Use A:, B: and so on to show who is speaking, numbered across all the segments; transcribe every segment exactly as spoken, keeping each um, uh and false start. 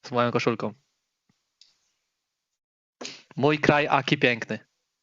A: Z moją koszulką. Mój kraj, aki piękny.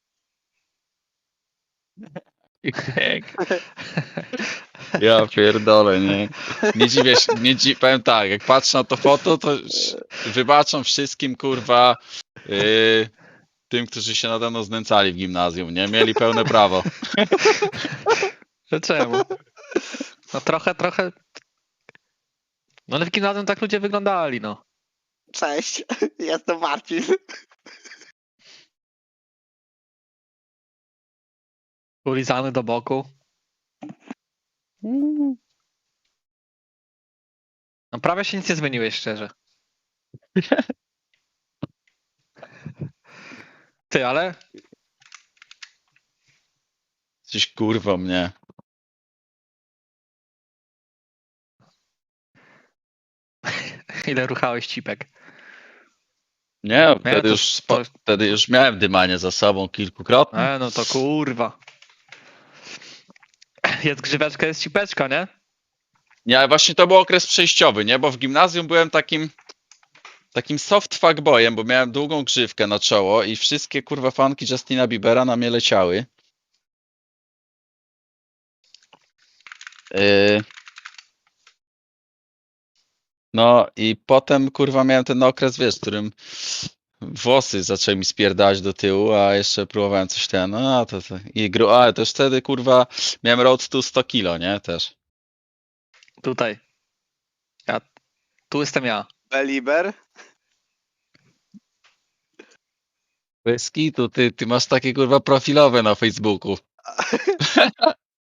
B: Ja pierdolę, nie? Nie dziwię się, nie dzi powiem tak, jak patrzę na to foto, to wybaczam wszystkim, kurwa, yy, tym, którzy się nade mną znęcali w gimnazjum, nie? Mieli pełne prawo.
A: No czemu? No trochę, trochę... No ale w gimnazjum tak ludzie wyglądali, no.
C: Cześć, jestem Marcin.
A: Ulizany do boku. No prawie się nic nie zmieniłeś, szczerze. Ty, ale...
B: Coś kurwa mnie.
A: Ile ruchałeś cipek?
B: Nie, wtedy,
A: to-
B: już, spo-
A: to-
B: wtedy już miałem dymanie za sobą kilkukrotnie.
A: E, no to kurwa. Jest grzyweczka, jest cipeczka, nie?
B: Nie, ale właśnie to był okres przejściowy, nie? Bo w gimnazjum byłem takim takim soft fuckboyem, bo miałem długą grzywkę na czoło i wszystkie kurwa fanki Justina Biebera na mnie leciały. Yy... No i potem kurwa miałem ten okres, wiesz, w którym włosy zaczęły mi spierdać do tyłu, a jeszcze próbowałem coś ten, no to, to i gru, ale też wtedy kurwa miałem road to sto kilo, nie? Też.
A: Tutaj. Ja... Tu jestem ja.
C: Beliber.
B: Bez kitu, ty, ty masz takie kurwa profilowe na Facebooku.